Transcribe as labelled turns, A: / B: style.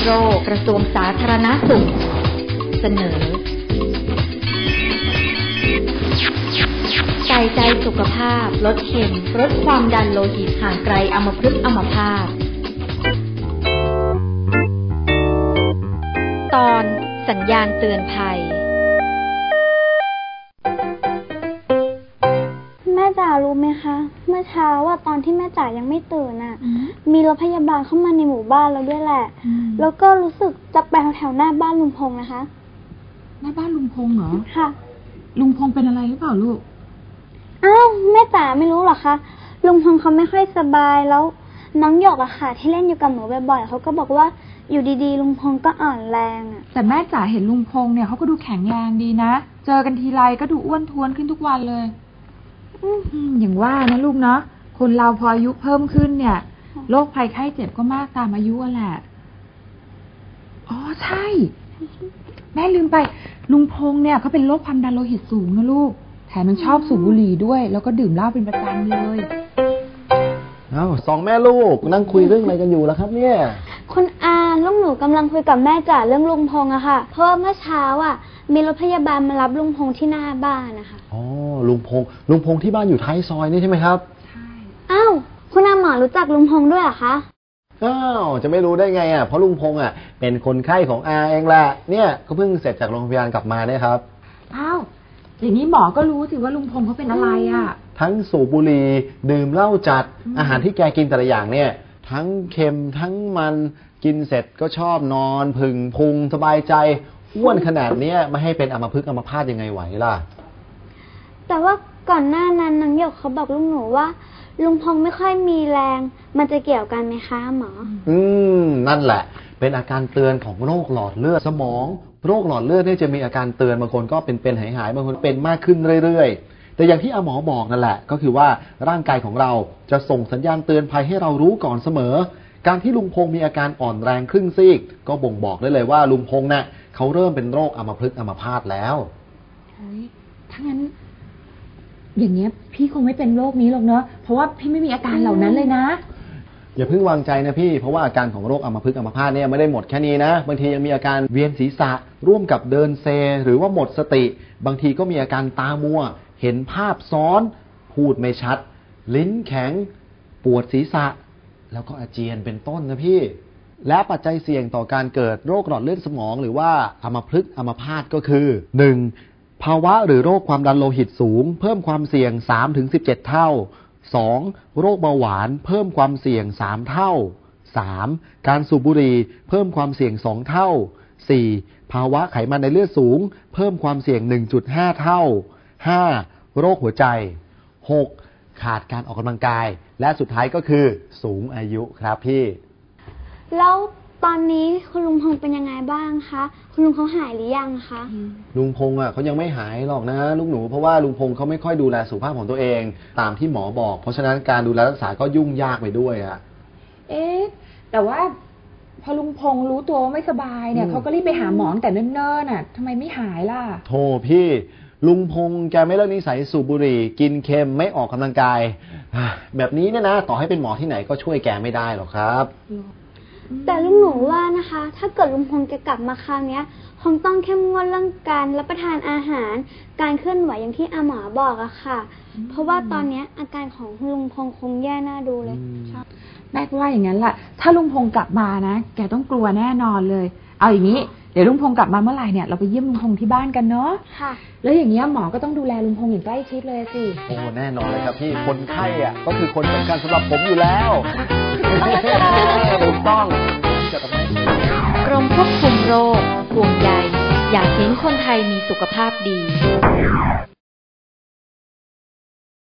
A: โรคกระทรวงสาธารณสุขเสนอใส่ใจสุขภาพลดเค็มลดความดันโลหิตห่างไกลอัมพฤกษ์อัมพาตตอนสัญญาณเตือนภัย
B: แม่จ๋ารู้ไหมคะเมื่อเช้าว่าตอนที่แม่จ๋ายังไม่ตื่นน่ะมีรถพยาบาลเข้ามาในหมู่บ้านแล้วด้วยแหละแล้วก็รู้สึกจะไปแถวหน้าบ้านลุงพงษ์นะคะ
C: หน้าบ้านลุงพงษ์เหรอ
B: ค่ะ
C: ลุงพงษ์เป็นอะไรหรือเปล่าลูก
B: อ้าวแม่จ๋าไม่รู้หรอคะลุงพงษ์เขาไม่ค่อยสบายแล้วน้องหยกอะค่ะที่เล่นอยู่กับหนูบ่อยๆเขาก็บอกว่าอยู่ดีๆลุงพงษ์ก็อ่อนแรงอะ
C: แต่แม่จ๋าเห็นลุงพงษ์เนี่ยเขาก็ดูแข็งแรงดีนะเจอกันทีไรก็ดูอ้วนท้วนขึ้นทุกวันเลยอย่างว่านะลูกเนาะคนเราพออายุเพิ่มขึ้นเนี่ยโรคภัยไข้เจ็บก็มากตามอายุแหละอ๋อใช่แม่ลืมไปลุงพงษ์เนี่ยเขาเป็นโรคความดันโลหิตสูงนะลูกแถมมันชอบสูบบุหรี่ด้วยแล้วก็ดื่มเหล้าเป็นประจำเลย
D: สองแม่ลูกนั่งคุยเรื่องอะไรกันอยู่ล่ะครับเนี่ย
B: คุณอาลูกหนูกำลังคุยกับแม่จ๋าเรื่องลุงพงษ์อะค่ะเพราะเมื่อเช้าอะมีรถพยาบาลมารับลุงพงษ์ที่หน้าบ้านนะคะ
D: อ๋อลุงพงษ์ที่บ้านอยู่ท้ายซอยนี่ใช่ไหมครับ
C: ใช่
B: อ้าวคุณอาหมอรู้จักลุงพงษ์ด้วยเหรอคะ
D: อ้าวจะไม่รู้ได้ไงอ่ะเพราะลุงพงษ์อ่ะเป็นคนไข้ของอาเองแหละเนี่ยก็เพิ่งเสร็จจากโรงพยาบาลกลับมาเนี่ยครับ
C: อ้าวอย่างนี้หมอก็รู้สิว่าลุงพงษ์เขาเป็นอะไรอ่ะ
D: ทั้งสูบบุหรี่ดื่มเหล้าจัดอาหารที่แกกินแต่ละอย่างเนี่ยทั้งเค็มทั้งมันกินเสร็จก็ชอบนอนผึ่งพุงสบายใจอ้วนขนาดนี้ไม่ให้เป็นอัมพฤกษ์อัมพาตยังไงไหวล่ะ
B: แต่ว่าก่อนหน้านั้นนางหยกเขาบอกลุงหนูว่าลุงพงษ์ไม่ค่อยมีแรงมันจะเกี่ยวกันไหมคะหมอ
D: นั่นแหละเป็นอาการเตือนของโรคหลอดเลือดสมองโรคหลอดเลือดเนี่ยจะมีอาการเตือนบางคนก็เป็นหายบางคนเป็นมากขึ้นเรื่อยๆแต่อย่างที่อาหมอบอกนั่นแหละก็คือว่าร่างกายของเราจะส่งสัญญาณเตือนภัยให้เรารู้ก่อนเสมอการที่ลุงพงษ์มีอาการอ่อนแรงครึ่งซีกก็บ่งบอกได้เลยว่าลุงพงษ์น่ะเขาเริ่มเป็นโรคอัมพฤกษ์อัมพาตแล้ว
C: ถ้างั้นอย่างเงี้ยพี่คงไม่เป็นโรคนี้หรอกเนอะเพราะว่าพี่ไม่มีอาการเหล่านั้นเลยนะ
D: อย่าเพิ่งวางใจนะพี่เพราะว่าอาการของโรคอัมพฤกษ์อัมพาตเนี่ยไม่ได้หมดแค่นี้นะบางทียังมีอาการเวียนศีรษะร่วมกับเดินเซหรือว่าหมดสติบางทีก็มีอาการตามัวเห็นภาพซ้อนพูดไม่ชัดลิ้นแข็งปวดศีรษะแล้วก็อาเจียนเป็นต้นนะพี่และปัจจัยเสี่ยงต่อการเกิดโรคหลอดเลือดสมองหรือว่าอัมพฤกษ์อัมพาตก็คือ 1. ภาวะหรือโรคความดันโลหิตสูงเพิ่มความเสี่ยง 3-17 เท่า 2. โรคเบาหวานเพิ่มความเสี่ยง3เท่า 3. การสูบบุหรี่เพิ่มความเสี่ยง2เท่า 4. ภาวะไขมันในเลือดสูงเพิ่มความเสี่ยง 1.5 เท่า 5. โรคหัวใจ 6. ขาดการออกกำลังกายและสุดท้ายก็คือสูงอายุครับพี่
B: แล้วตอนนี้คุณลุงพงษ์เป็นยังไงบ้างคะคุณลุงเขาหายหรือยังคะ
D: ลุงพงษ์เขายังไม่หายหรอกนะลูกหนูเพราะว่าลุงพงษ์เขาไม่ค่อยดูแลสุขภาพของตัวเองตามที่หมอบอกเพราะฉะนั้นการดูแลรักษาก็ยุ่งยากไปด้วย
C: แต่ว่าพอลุงพงษ์รู้ตัวว่าไม่สบายเนี่ยเขาก็รีบไปหาหมอแต่เนิ่นๆน่ะทำไมไม่หายล่ะ
D: โธ่พี่ลุงพงษ์แกไม่เลิกนิสัยสูบบุหรี่กินเค็มไม่ออกกำลังกายแบบนี้เนี่ยนะต่อให้เป็นหมอที่ไหนก็ช่วยแกไม่ได้หรอกครับ
B: แต่ลุงหนูว่านะคะถ้าเกิดลุงพงษ์จะกลับมาคราวนี้คงต้องเข้มงวดเรื่องการรับประทานอาหารการเคลื่อนไหวอย่างที่อาหมอบอกอะค่ะเพราะว่าตอนนี้อาการของลุงพงษ์คงแย่น่าดูเลย
C: แม่ก็ว่าอย่างนั้นแหละถ้าลุงพงษ์กลับมานะแกต้องกลัวแน่นอนเลยเอาอย่างนี้เดี๋ยวลุงพงษ์กลับมาเมื่อไหร่เนี่ยเราไปเยี่ยมลุงพงษ์ที่บ้านกันเนาะ
B: ค่ะ
C: แล้วอย่างเงี้ยหมอก็ต้องดูแลลุงพงษ์อย่างใกล้ชิดเลยสิ
D: โอ้แน่นอนเลยครับพี่คนไข้อ่ะก็คือคนสำคัญสำหรับผมอยู่แล้วถูกต้อง
A: กรมควบคุมโรคห่วงใยอยากเห็นคนไทยมีสุขภาพดี